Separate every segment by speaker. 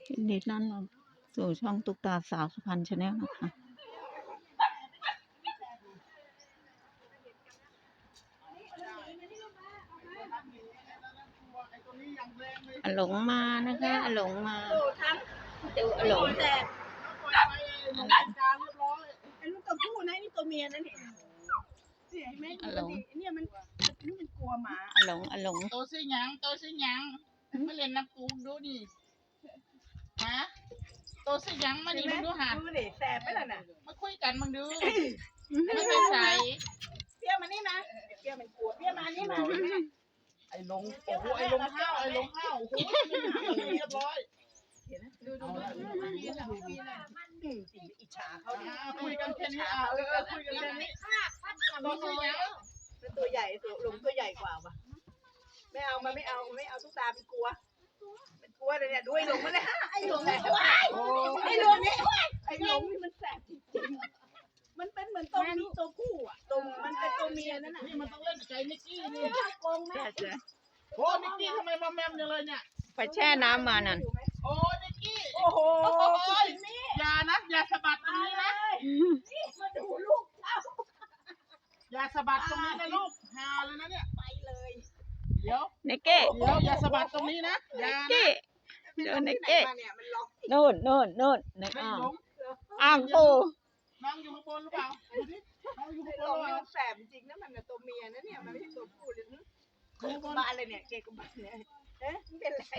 Speaker 1: ยินดีต้อนรับสู่ช่องตุ๊กตาสาวสุพรรณชาแนลนะคะอาหลงมานะคะอาหลงมาดูอาหลง
Speaker 2: แต่ไอ้ลูกตัวผู้นะนี่ตัวเมียนะเนี่ยเนี่ยเห็นไหมเนี่ยมันกลัวหมา
Speaker 1: อาหลง
Speaker 3: โตซื้อหยังมาเล่นน้ำปูดูดิฮะโตซื้อหยังมาดิมึงดูหา
Speaker 2: ดูดิแสบไปแล้วน่ะ
Speaker 3: มาคุยกันมึงดูไม่ไปใส่
Speaker 2: เปี้ยมานี่นะเปี้ยมันกลัวเปี้ยมานี่มา
Speaker 3: ไอ้ลงโอ้โหไอ้ลงห้าวโอ้โหเรียบร้อย
Speaker 2: ดูอิจฉาเขาเนี่ย
Speaker 3: คุยกันแค่นี้คุยกันแค่นี้โตซื้อหยัง
Speaker 2: เป็นตัวใหญ่หลงตัวใหญ่กว่าป่ะไม่เอาตุ๊กตาเป็นกลัวเลยเนี่ยด้วยหลงมาเลยไอ้หลงนี่มันแสบจริงๆมันเป็นเหมือนตัวผู้อ่ะมันเป็นตัวเมียนั่นน่ะ
Speaker 3: นี่มันต้องเล่นใจนิกกี้นี่
Speaker 2: โกงไหม
Speaker 3: โอ้นิกกี้ทำไมมาแมมจังเลยเนี่ย
Speaker 1: ไปแช่น้ำมานั่น
Speaker 3: โอ้นิกกี้
Speaker 2: โอ้โห
Speaker 3: อย่าสะบัดตรงนี้นะ
Speaker 2: นี่มาดูลูก
Speaker 3: อย่าสะบัดตรงนี้นะลูกฮาเลยนะเนี่ย
Speaker 2: ไปเลย
Speaker 3: เดี๋ยว
Speaker 1: เนเก้
Speaker 3: อย่าสะบัดตรงนี้นะอย่า
Speaker 1: เก้เดินเนเก้โน่นในอ่างปู
Speaker 3: น้องอยู่ข้างบนหรือเปล่าดูดิน้องอยู่ข้างบนหรือเปล่า
Speaker 2: แสบจริงนะมันตัวเมียนะเนี่ยมันไม่ใช่ตัวผู้เลยเกย์กบาลเลยเนี่ยเกย์กบาลเนี่ยเป็นไร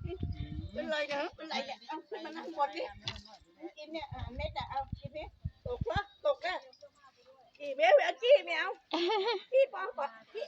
Speaker 2: เนี่ยเอาขึ้นมานั่งบนดิกินเนี่ยเน็ตเอากินดิตกละกี่เบี้ยกี้ไม่เอาพี่ปอพี่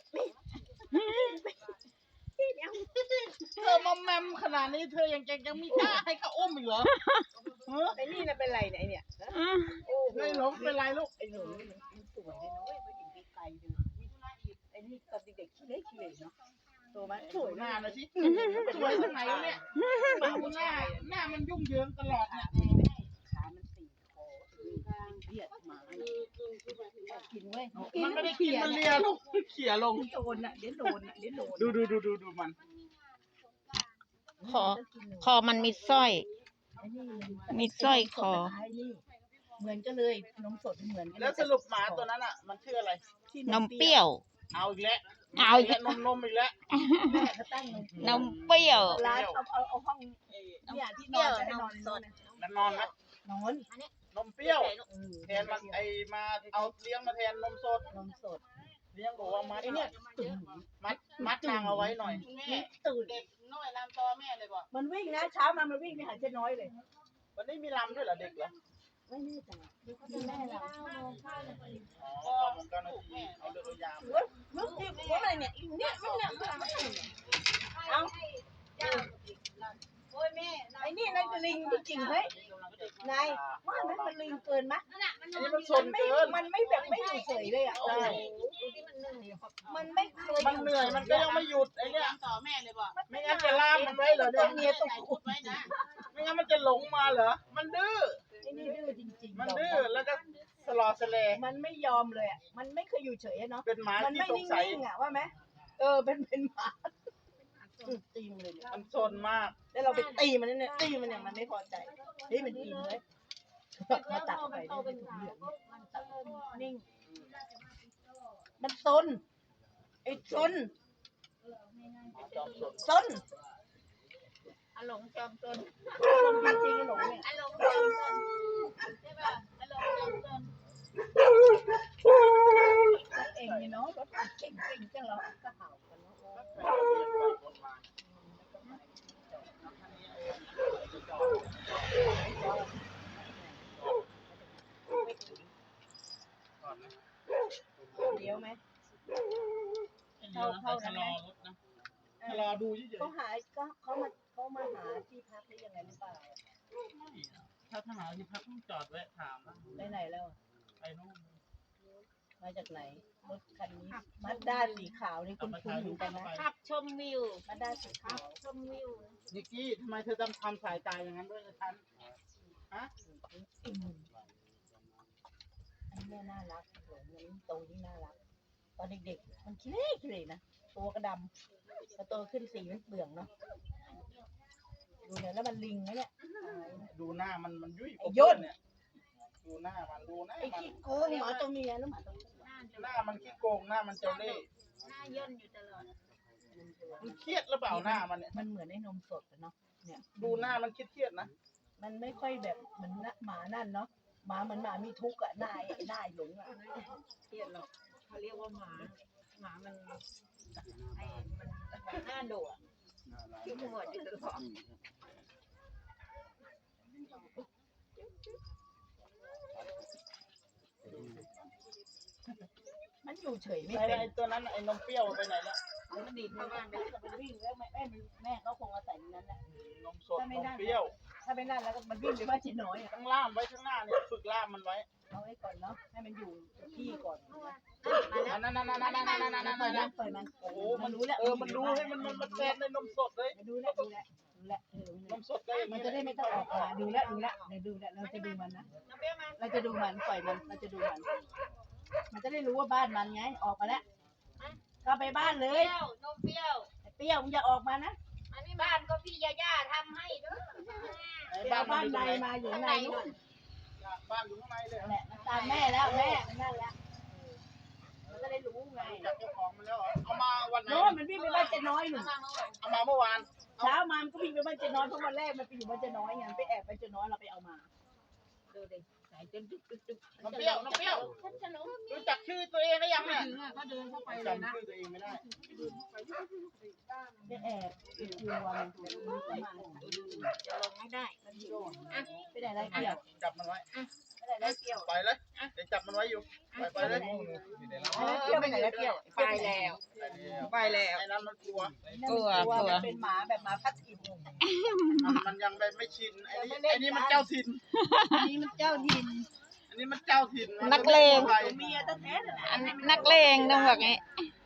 Speaker 2: ไม่เอา
Speaker 3: เธอมอมแมมขนาดนี้เธอยังมีกล้าให้เขาอุ้มอีกเหรอ
Speaker 2: ไอ้นี่นะเป็นไรเนี่ย
Speaker 3: โอ้ไม่หลงเป็นไรลูก
Speaker 2: ไอ้หนูมันสวยเลยนะเว้ยผู้หญิงไกลเลยไอ้นี่ตอนเด็กขี้เล็กเนาะโตมา
Speaker 3: สวยหน้าเลยสิสวยทางไหนเนี่ยหน้ามันยุ่งเหยิงตลอดเนี่ย
Speaker 2: ขามันตีคอเลียดหมากินเว้ย
Speaker 3: มันไม่ได้กินมันเลียลูกเขี่ยลง
Speaker 2: โดนเดี๋ยวโดน
Speaker 3: ดูมัน
Speaker 1: คอมันมีสร้อยคอ
Speaker 2: เหมือนกันเลยนมสดเหมือนกัน
Speaker 3: แล้วสรุปหมาตัวนั้นอ่ะมันชื่ออะไร
Speaker 1: นมเปรี้ยว
Speaker 3: เอาอีกแล้วนมอีกแล้ว
Speaker 1: นมเปรี้ยว
Speaker 2: ร้านเอาห้องเนี่ยที่นอนจะให้นอนสด
Speaker 3: นอนไหม
Speaker 2: นอน
Speaker 3: นมเปรี้ยวแทนมันมาเอาเลี้ยงมาแทนนมสดเลี้ยงบอกว่ามัดเนี่ยมัดนางเอาไว้หน่อย
Speaker 2: ตื่น
Speaker 3: เด็กน้อยลำตอแม่เลยบอก
Speaker 2: มันวิ่งนะเช้ามันวิ่งไปหาเจ๊น้อยเลย
Speaker 3: วันนี้มีลำด้วยเหรอเด็กเหรอ
Speaker 2: ไม่แน่ใจแม่เรา
Speaker 3: อ๋อผมก็นาทีเอาเรือยาม
Speaker 2: มึงที่ว่าอะไรเนี่ยเอาไอ้นี่นั่นคือลิงจริงเฮ้ยนายว่ามันลิงเกินมั้ย
Speaker 3: มันสนเกิน
Speaker 2: มันไม่แบบไม่อยู่เฉยเลยอ่ะมันไม่เคย
Speaker 3: มันเหนื่อยมันก็ยังไม่หยุดไอ้เนี่ย
Speaker 4: ต่อแม่เลยบอก
Speaker 3: ไม่งั้นจะล่ามมันไว้เหรอเนี่ย
Speaker 2: เมียต้อง
Speaker 4: ขุดไว้นะ
Speaker 3: ไม่งั้นมันจะหลงมาเหรอมันดื้อ
Speaker 2: ไอ้นี่ดื้อจริงๆ
Speaker 3: มันดื้อแล้วก็สลอสเล
Speaker 2: มันไม่ยอมเลยอ่ะมันไม่เคยอยู่เฉยเนาะ
Speaker 3: เป็นหมาที่สงสัย
Speaker 2: อ่ะว่าไหมเป็นหมาตีมันเลย
Speaker 3: มันซนมาก
Speaker 2: แล้วเราไปตีมันเนี่ยมันไม่พอใจเฮ้ยมันกินเลยมาตักไปได้เป็นถุงเหลืองนิ่งมันซนไอ้ซน
Speaker 4: อารมณ์จอมซน
Speaker 2: มันจริงหลงเนี่ย
Speaker 4: อารมณ์จอมซนใช่ป่ะอารมณ์จอมซน
Speaker 2: เองเนี่ยเนาะรถเก่งจังเราก็เห่ากันเนาะเดี๋ยวไหมเข้านะ
Speaker 3: รอดูเฉย
Speaker 2: ๆเขามาหาที่พักได้ยังไงหรือเปล่า
Speaker 3: ถ้าหาที่พักต้องจอดแวะถาม
Speaker 2: ไปไหนแล้ว
Speaker 3: ไปนู่น
Speaker 2: มาจากไหนรถคันนี้มัดด้าสีขาวนี่คุณเหมือนกันนะ
Speaker 4: ขับชมวิว
Speaker 2: มัดด้าสีขาว
Speaker 4: ชมวิว
Speaker 3: นิกกี้ทำไมเธอต้องทำสายตาอย่างนั้นด้วยฉันฮะ
Speaker 2: อันนี้น่ารักโหนี่โตนี่น่ารักตอนเด็กๆมันขี้เล็กนะตัวกระดำพอโตขึ้นสีมันเปลืองเนาะดูเนี่ยแล้วมันลิงนะเนี่ย
Speaker 3: ดูหน้ามันยุ่ย
Speaker 2: ไอ้ย่น
Speaker 3: เนี่ยดูหน้ามันดูหน้า
Speaker 2: ไอ้
Speaker 3: มัน
Speaker 2: ขี้โกงหมาตัวเมียแล้วหมาตัวผู้
Speaker 3: หน้ามันขี้โกงหน้ามันเจ้าเล่ห์
Speaker 4: หน้าย่นอยู่ตลอด
Speaker 3: มันเครียดหรือเปล่าหน้ามันเนี่ย
Speaker 2: มันเหมือนไอ้นมสดอะเนาะเนี่ย
Speaker 3: ดูหน้ามันเครียดๆนะ
Speaker 2: มันไม่ค่อยแบบเหมือนหมานั่นเนาะหมาเหมือนหมามีทุกข์อะหน้าไอ้หน้าหลงอะ
Speaker 1: เครียดหรอกเขาเรียกว่าหมามันไอ้มันหน้าโดดที่หัวอยู่ตลอด
Speaker 2: มันอยู่เฉยไม่
Speaker 3: ไอ้
Speaker 2: เป็น
Speaker 3: ไอ้ตัวนั้นไอ้นมเปรี้ยวไปไหนแล้ว
Speaker 2: มันดีดเข้าบ้านไปมันวิ่งแล้วแม่ก็คงอาศัยในนั้นแหละ
Speaker 3: นมสดนมเปรี้ยว
Speaker 2: ถ้าไม่นั่นแล้วก็มันวิ่งไปบ้านจีน้อยอะ
Speaker 3: ต้องล่ามไว้ข้างหน้าเนี่ยฝึกล่ามมันไว้
Speaker 2: เอาไว้ก่อนเนาะให้มันอยู่ที่ก่อน
Speaker 3: นั่น
Speaker 2: ปล่อยมัน
Speaker 3: โอ้โห
Speaker 2: มันรู้แล้ว
Speaker 3: มันรู้ให้มันแทนในนมสดเลย
Speaker 2: ดูแล้ว
Speaker 3: นมสดได้
Speaker 2: มันจะได้ไม่ต้องออกมาดูแล้วเราจะดูมันนะเราจะดูมันปล่อยมันเราจะดูมันจะได้รู้ว่าบ้านมันไงออกมาแล้วก็ไปบ้านเล
Speaker 4: เป
Speaker 2: ย
Speaker 4: รี้ยวนมเปรี้ยว
Speaker 2: เปรี้ยวมึงอย่าออกมานะ
Speaker 4: อันนี้บ้านก็พี่ยาย่าทำให้เด้อ
Speaker 2: ไปเอาบ้านในมาอยู่ในนู่น
Speaker 3: บ้านอยู่ข้างในเลย
Speaker 2: แหละมันตามแม่แล้วแม่มันนั่นแล้วมันก็ได้รู้ไง
Speaker 3: จากเจ้าของมันแล้วเอามาวันไหน
Speaker 2: โน่นมันวิ่งไปบ้านเจ๊น้อยหนู
Speaker 3: เอามาเมื่อวาน
Speaker 2: เช้ามามันก็วิ่งไปบ้านเจ๊น้อยเพราะวันแรกมันไปอยู่บ้านเจ๊น้อยไงไปแอบบ้านเจ๊น้อยเราไปเอามา
Speaker 1: ดูดิสายจนตึ๊ก
Speaker 3: นมเปรี้ยวนมเปรี้ยวรู้จักชื่อตัวเองหรือยังเนี่ย
Speaker 1: ก็เดินเข้าไปเลยนะ
Speaker 3: จำชื่อตัวเองไม่ได้
Speaker 2: ไปแอบกลัวมันถูกมันมา
Speaker 1: จะลงไม่ได้
Speaker 2: ไปไหนไรเปรี้ยว
Speaker 3: จับมันไว้
Speaker 2: ไปไหนไรเปรี้ยว
Speaker 3: ไปเลยเดี๋ยวจับมันไว้อยู่ไปเลย
Speaker 2: เปรี้ยวไปไหนไรเปรี้ยว
Speaker 1: ไปแล้วไปแล้ว
Speaker 3: ไอ้นั้นมันกลัว
Speaker 1: กลัว
Speaker 2: มันเป็นหมาแบบหมาพัดถิ่น
Speaker 3: มันยังไม่ชินไอ้นี่มันเจ้าถิ่น
Speaker 2: อันนี้มันเจ้าดิน
Speaker 3: อันนี้มันเจ้าถิ่น
Speaker 1: นักเลง
Speaker 2: เมียแท้ๆน่ะ
Speaker 1: อันนักเลงต้องบอกไง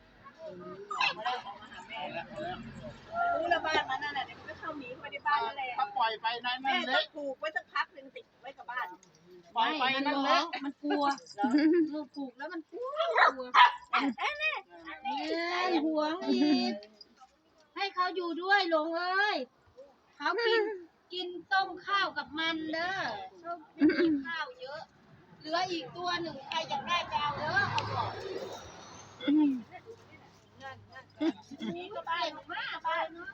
Speaker 2: รู้แล้วบ้านมันนั่นแหละเดี๋ยวมันก็เข้าหนีเข้าไปในบ้านนั่นแหละ
Speaker 3: ถ้าปล่อยไปนั่น
Speaker 2: แม่ต้
Speaker 3: เละ
Speaker 2: องผูกไว้สักพักหนึ่งติดไว้กับบ้าน
Speaker 3: ปล่อยไปนั่นเละ
Speaker 2: มันกลัว
Speaker 1: ลูกผูกแล้วมันกลัว
Speaker 4: ห่วงอีกให้เขาอยู่ด้วยหลงเอ้ยเขากินต้มข้าวกับมันเด้อชอบกินข้าวเยอะ เหลืออีกตัวหนึ่งใครอยากได้ไปเอาเด้อเขาบอกนี่ก็ไปมาไปเนาะ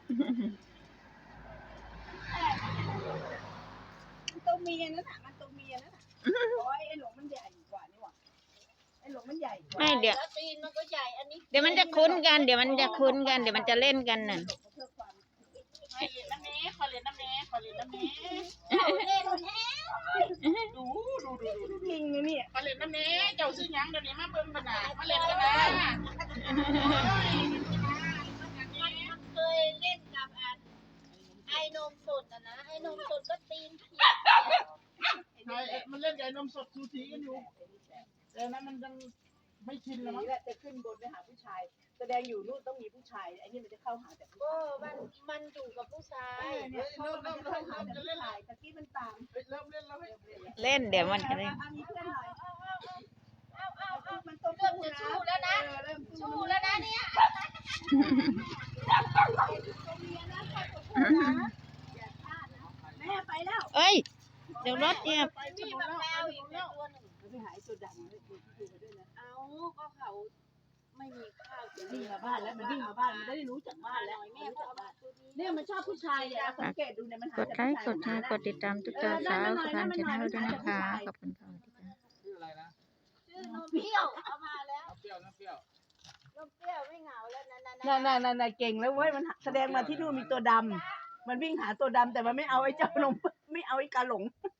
Speaker 2: มันตัวเมียนั่นน่ะมันตัวเมียนั่นน่ะโอ้ยไอ้หลงมันใหญ่กว่านี่หว่าไอ้หลงมันใหญ่กว่า
Speaker 1: ไม่เดี๋ยว
Speaker 4: แล้วตีนมันก็ใหญ่อันนี้
Speaker 1: เดี๋ยวมันจะคุ้นกันเดี๋ยวมันจะคุ้นกันเดี๋ยวมันจะเล่นกันน่ะ
Speaker 3: ขอเรียนน้ำแม่ขอเรียนน้ำแม่ขอเรียนน้ำแม่
Speaker 4: เล่นแท้
Speaker 3: ดู
Speaker 2: จริงนะเนี่ย
Speaker 3: ขอเรียนน้ำแม่เจ้าซื้อยังเดี๋ยวนี้มาเบิ่งกันนะมาเล่นกันนะ
Speaker 4: มันเคยเล่นกับไอ้นมสดอ่ะนะไอ้นมสดก็ตีนเขียว
Speaker 3: มันเล่นกับนมสดซูซีกันอยู่แต่นั้นมันยังไม่ชินแล้วมั้ง
Speaker 2: นี่แหละจะขึ้นบนไปหาผู้ชาย แสดงอยู่นู่นต้องมีผู้ชายไอ้นี่มันจะเข้าหาแต่ผู้
Speaker 4: ก็
Speaker 2: ชาย
Speaker 4: มันอยู่กับผู้ชาย
Speaker 2: เนี่ยเพราะว่ามันจะเข้าหาแต่ผู้ชายตะกี้มันตาม
Speaker 3: เริ่มเล่นแล้ว
Speaker 1: เล่นเดี๋ยวมันจะเล่น
Speaker 2: มีเพื่อนหน่อยมันต้อง
Speaker 4: เริ่มจะสู้แล้วนะ
Speaker 2: เริ่ม
Speaker 4: สู้แล้วนะเนี่ย
Speaker 2: แม่ไปแล้ว
Speaker 1: เอ้ยเดี๋ยวรถเนี่ย
Speaker 4: มีมะพร้าวอีกตัวหนึ่ง
Speaker 2: ไปหายตัวดำด้วยด้วยนะ
Speaker 4: เอาก็เขาไม่มีข้าวจะ
Speaker 2: วิ่งมาบ้านแล้วมันวิ่งมาบ้านมันได้รู้จักบ้านแล้ว
Speaker 4: แม่ก็เอามาตัวนี้
Speaker 2: เนี่ยมันชอบผู้ชายเนี่ยสังเกตดูเนี่ยมันหาก
Speaker 1: ดไลค์กดแชร์กดติดตามทุกเจ้าสาวสะพานชาแนลด้วยนะคะขอบคุณค่ะ
Speaker 3: ชื่ออะไรนะ
Speaker 4: ชื่อนมเปรี้ยวเอามาแล้ว
Speaker 3: น้ำเปรี้ยว
Speaker 4: นมเปรี้ยวไม่เหงาแล้วนั่น
Speaker 2: น่ะเก่งแล้วเว้ยมันแสดงมาที่นู่นมีตัวดำมันวิ่งหาตัวดำแต่มันไม่เอาไอ้เจ้านมไม่เอาไอ้กาหลง